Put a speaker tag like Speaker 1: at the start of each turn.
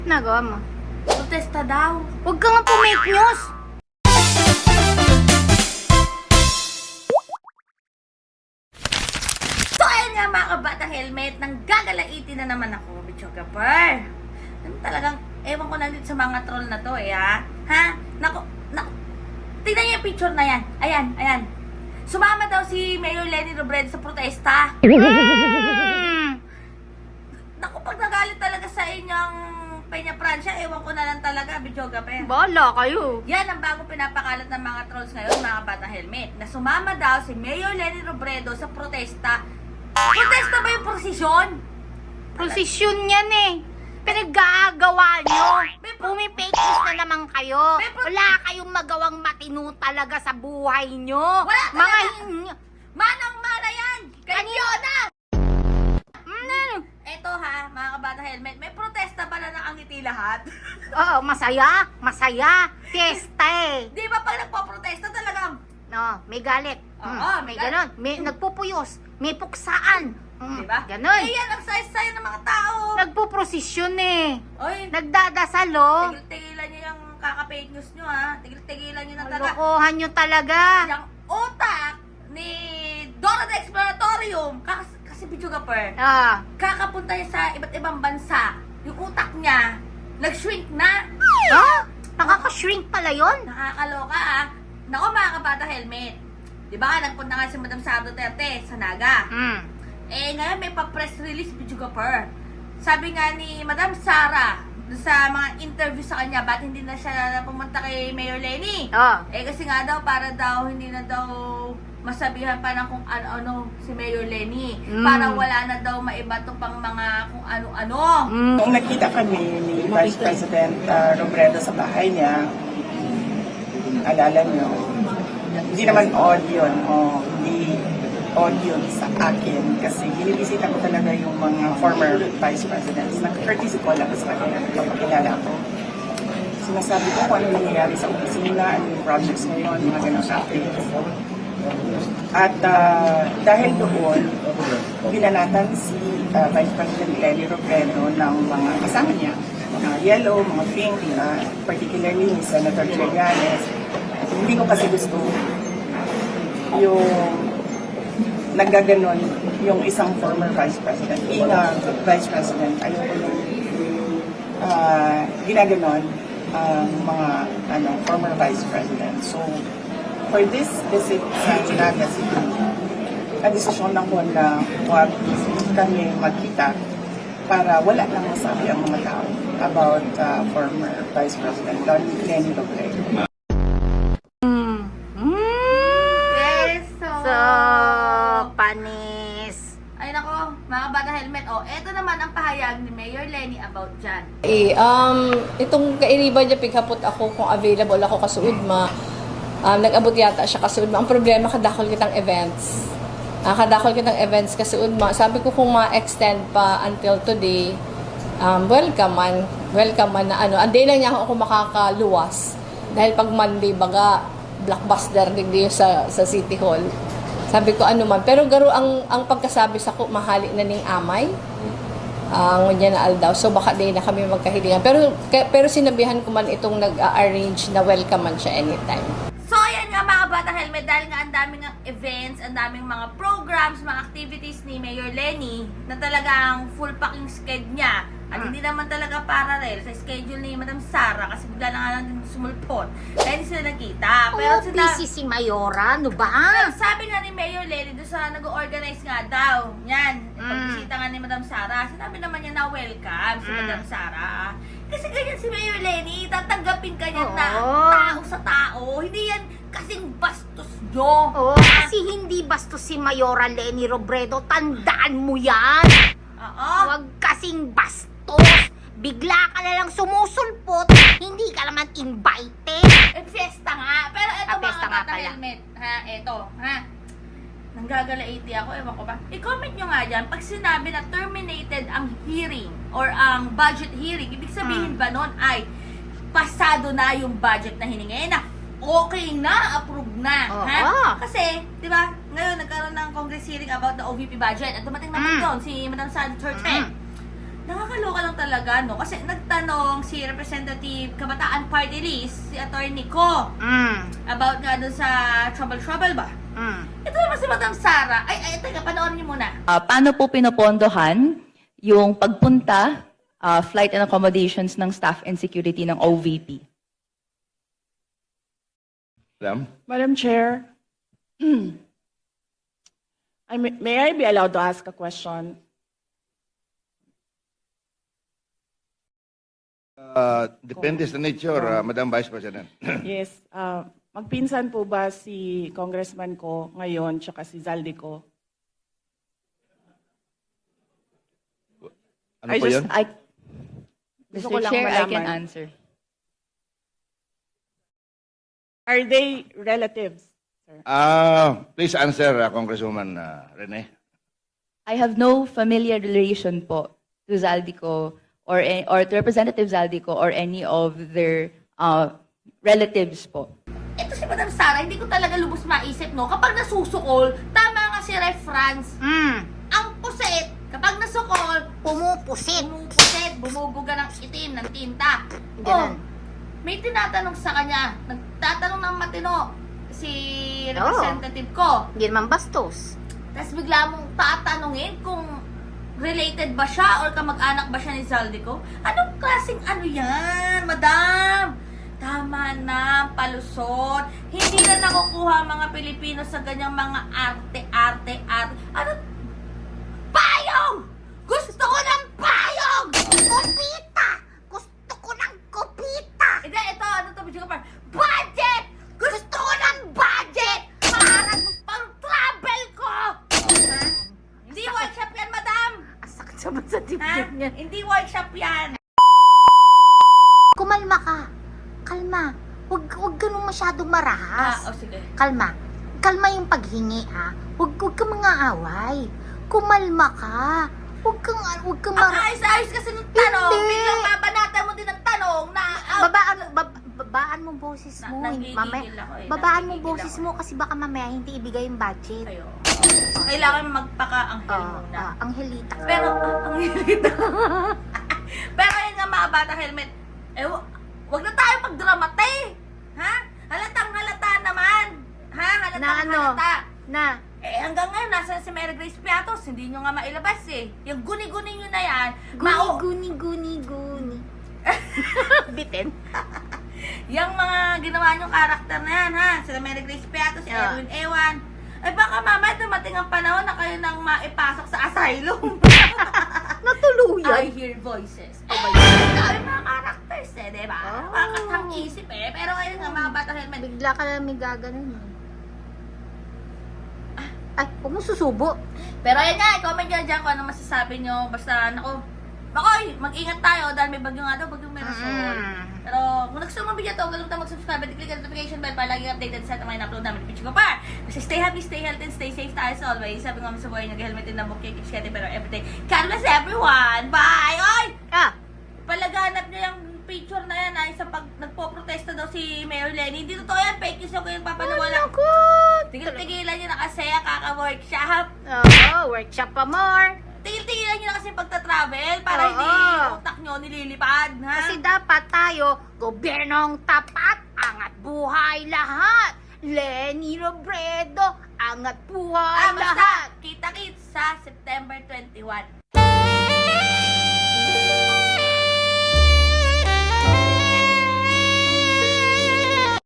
Speaker 1: Nagawa mo?
Speaker 2: Protesta daw.
Speaker 1: Huwag ka nga po-make news!
Speaker 2: So ayun nga mga kabata helmet, nang gagalaitin na naman ako, Bichogapur. Talagang, ewan ko na din sa mga troll na to ha? Naku, tingnan niyo yung picture na yan. Ayan. Sumama daw si Mayor Leni Robredo sa protesta. Naku, pag nagalit talaga sa inyong Peña Francia, ewan ko na lang talaga, Bichogapur.
Speaker 1: Bahala kayo.
Speaker 2: Yan ang bagong pinapakalat ng mga trolls ngayon, mga bata helmet. Na sumama daw si Mayor Leni Robredo sa protesta. Protesta ba yung prosesyon?
Speaker 1: Prosesyon yan eh. Pinag-aagawa nyo. Pumipake news na naman kayo. Wala kayong magawang matino talaga sa buhay nyo.
Speaker 2: Wala talaga. Manang-mana yan! Kanyo na! Eto ha, mga kabata helmet, may protesta pa na nakangiti lahat.
Speaker 1: Oo, masaya. Masaya. Fiesta eh.
Speaker 2: Di ba pag nagpo-protesta talagang,
Speaker 1: No, may galit.
Speaker 2: Oo,
Speaker 1: May
Speaker 2: may
Speaker 1: ganon. May nagpupuyos. May puksaan.
Speaker 2: di ba?
Speaker 1: Ganon.
Speaker 2: Eh yan ang sayo-sayo ng mga tao.
Speaker 1: Nagpuprosesyon eh.
Speaker 2: Oy,
Speaker 1: Nagdadasal oh.
Speaker 2: tigil-tigilan nyo yung kaka-fake news nyo ha. Tigil-tigilan nyo na talaga.
Speaker 1: Lokohan nyo talaga.
Speaker 2: Yung utak ni Dora the Exploratorium, kasi Bichogapur,
Speaker 1: Ah.
Speaker 2: kakapunta niya sa iba't ibang bansa. Yung utak niya, nag-shrink na.
Speaker 1: Ah? Nakaka-shrink pala yun?
Speaker 2: Nakakaloka Nako mga kabata helmet. Di ba nagpunta nga si Madam Sara Duterte sa Naga. Eh ngayon may pa-press release Bichogapur. Sabi nga ni Madam Sara sa mga interview sa kanya, ba't hindi na siya pumunta kay Mayor Leni?
Speaker 1: Oh.
Speaker 2: Eh kasi nga daw, para daw hindi na daw masabihan pa ng kung ano-ano si Mayor Leni. Para wala na daw maiba to pang mga kung ano-ano.
Speaker 3: Nung nakita kami ni Vice President Robredo sa bahay niya, alala niyo, hindi naman audio, hindi audio sa akin kasi binibisita ko talaga yung mga former Vice Presidents. Nag-courtesy ko lang sa kanila kapag kilala ko. Sinasabi ko kung ano nangyayari sa opisina, ano yung projects ngayon, mga ganang updates. At dahil doon, binanatan si Vice President Leni Robredo ng mga kasama niya, mga yellow, mga pink, particularly ni Senator Trillanes. Hindi ko kasi gusto yung naggaganon yung isang former Vice President. Being a Vice President, ayoko yung ginaganon ang mga former Vice President. So, for this visit sa Naga City, na-desisyon ako na huwag kami magkita para wala nang masabi ang mga tao about former Vice President Leni Robredo.
Speaker 2: Yes,
Speaker 1: So, panis.
Speaker 2: Ay nako, mga bata helmet. Eto naman ang pahayag ni Mayor Leni about dyan.
Speaker 4: Itong kairiban niya, pighapot ako kung available ako kasuudma. Nag-abot yata siya kasuudma. Ang problema, kadakol kitang events. Kadakol kitang events kasuudma. Sabi ko kung ma-extend pa until today, welcome man na Anday lang niya ako makakaluwas. Dahil pag Monday, baga, blockbuster digdi sa City Hall. Sabi ko ano man. Pero garo ang pagkasabi sa ko, mahali na ning amay. Ang niya na aldaw. So baka din na kami magkahilingan. Pero sinabihan ko man itong nag-arrange na welcome man siya anytime.
Speaker 2: So ayan nga mga bata helmet, dahil nga ang daming events, ang daming mga programs, mga activities ni Mayor Leni na talagang full packing schedule niya. At hindi naman talaga parallel sa schedule ni Madam Sara kasi bigla na nga lang din sumulpot. Kaya hindi sila nakita. Pero
Speaker 1: busy si Mayora. Ano ba?
Speaker 2: sabi nga ni Mayor Leni doon sa nag-organize nga daw. Yan, pagbisita nga ni Madam Sara, sinabi naman niya na welcome si Madam Sara. Kasi ganyan si Mayor Leni, tatanggapin ka niya na tao sa tao. Hindi yan kasing bastos nyo.
Speaker 1: Kasi hindi bastos si Mayora Leni Robredo. Tandaan mo yan. Huwag kasing bastos. Bigla ka na lang sumusulpot. Hindi ka naman invited.
Speaker 2: Fiesta nga. Pero eto
Speaker 1: Fiesta
Speaker 2: mga
Speaker 1: nga
Speaker 2: bata
Speaker 1: pala.
Speaker 2: helmet. Eto. Nanggagalaiti ako, ewan ko ba. I-comment nyo nga dyan, pag sinabi na terminated ang hearing or ang budget hearing, ibig sabihin ba nun ay pasado na yung budget na hiningi na okay na, approve na. Kasi, di ba, ngayon nagkaroon ng Congress hearing about the OVP budget at dumating naman doon si Madam Sara Duterte. Nakakaloka lang talaga, no? Kasi nagtanong si Representative Kabataan Party List, si Atty. Ko, about nga dun sa trouble ba? Ito naman si Madam Sara. Teka, panoorin niyo muna.
Speaker 5: Paano po pinopondohan yung pagpunta, flight and accommodations ng staff and security ng OVP?
Speaker 6: Madam Chair, may I be allowed to ask a question?
Speaker 7: Depende sa nature, Madam Vice President.
Speaker 6: Yes. Magpinsan po ba si Congressman ko ngayon tsaka si Zaldi ko?
Speaker 7: Ano po yun?
Speaker 6: Gusto ko
Speaker 5: Mr.
Speaker 6: lang
Speaker 5: Chair, I can
Speaker 6: malaman.
Speaker 5: answer.
Speaker 6: Are they relatives? Sir?
Speaker 7: Please answer, Congresswoman Rene.
Speaker 5: I have no familiar relation po to Zaldico or to Representative Zaldico or any of their relatives po.
Speaker 2: Ito si Madam Sara, hindi ko talaga lubos maisip, no? Kapag nasusukol, tama nga si Ref Franz. Ang puset, kapag nasukol,
Speaker 1: Pumupusit.
Speaker 2: bumubuga ng itim, ng tinta.
Speaker 1: Ganun.
Speaker 2: May tinatanong sa kanya, nagtatanong ng matino si Representative Ko.
Speaker 1: Hindi naman bastos.
Speaker 2: Tapos bigla mong tatanungin kung related ba siya or kamag-anak ba siya ni Zaldico? Anong klaseng ano yan, madam? Tama na, palusot. Hindi na nakukuha ang mga Pilipino sa ganyang mga arte. Ano? Payong! Gusto ko ng payong!
Speaker 1: Kupita! Gusto ko ng kupita!
Speaker 2: Hindi, ito, ano to, video ko pa? Budget! Gusto ko ng budget! Para pang travel ko! Ha? Hindi workshop yan, madam!
Speaker 1: Asakit naman sa
Speaker 2: Ha?
Speaker 1: dibdib niya.
Speaker 2: Hindi workshop yan!
Speaker 1: Kumalma ka. Kalma. Huwag ganun masyadong marahas.
Speaker 2: Sige.
Speaker 1: Kalma. Kalma yung paghingi, ha? Huwag kang mga away. Kumalma ka. Huwag kang
Speaker 2: Ang
Speaker 1: marahas.
Speaker 2: ayos-ayos kasi ng tanong,
Speaker 1: Hindi.
Speaker 2: biglang babanatan mo din ang tanong na...
Speaker 1: Babaan mo boses mo.
Speaker 2: Nanggigigil
Speaker 1: Mamaya,
Speaker 2: ako eh.
Speaker 1: babaan mo
Speaker 2: Nanggigigil
Speaker 1: boses
Speaker 2: ako.
Speaker 1: mo kasi baka mamaya hindi ibigay yung budget.
Speaker 2: Kayo. Kailangan magpaka-anghel muna.
Speaker 1: Angelita.
Speaker 2: Pero, ang hirita. Pero yun nga mga bata helmet, wag na tayo magdramate. Ha? Halatang halata naman. Ha? Halatang
Speaker 1: Na ano?
Speaker 2: halata.
Speaker 1: Na,
Speaker 2: Hanggang ngayon, nasa si Mary Grace Piatos, hindi nyo nga mailabas eh. Yung guni-guni nyo na yan,
Speaker 1: guni. Bitin.
Speaker 2: yung mga ginawa nyong karakter na yan, ha? Sila Mary Grace Piatos, si Erwin Ewan. Ay baka mamaya dumating ang panahon na kayo nang maipasok sa asylum.
Speaker 1: Natuluyan.
Speaker 2: I hear voices. Dami mga characters eh, di ba?
Speaker 1: Oh.
Speaker 2: Makakatang isip eh. Pero ngayon nga mga bata helmet.
Speaker 1: Bigla ka lang may gaganon eh. Ay, huwag mo susubo.
Speaker 2: Pero ayun nga, i-comment nyo dyan kung ano masasabi nyo. Basta, Makoy, mag-ingat tayo dahil may bagyo nga daw, bagyong Merasol. Pero kung nagustuhan mo ang video to, huwag kalimutan mag-subscribe at click ang notification bell para lagi updated sa mga in-upload namin. Picture ko pa! Kasi stay happy, stay healthy, and stay safe tayo as always. Sabi nga sa buhay, nag-helmet din ng bukay, keep sweating better everyday. God bless everyone! Bye! Oy! Palaganap niya yung picture na yan ay sa pag nagpo-protesta daw si Mayor Lenny. Hindi totoo yan, fake news yung kayong papaniwala. Tigil-tigilan nyo na kasi kaka-workshop.
Speaker 1: Workshop pa more.
Speaker 2: Tigil-tigilan nyo na kasi pagta-travel para hindi utak nyo nililipad. Ha?
Speaker 1: Kasi dapat tayo, gobyernong tapat, angat buhay lahat. Lenny Robredo, angat buhay
Speaker 2: Basta,
Speaker 1: lahat.
Speaker 2: kita-kits sa September 21.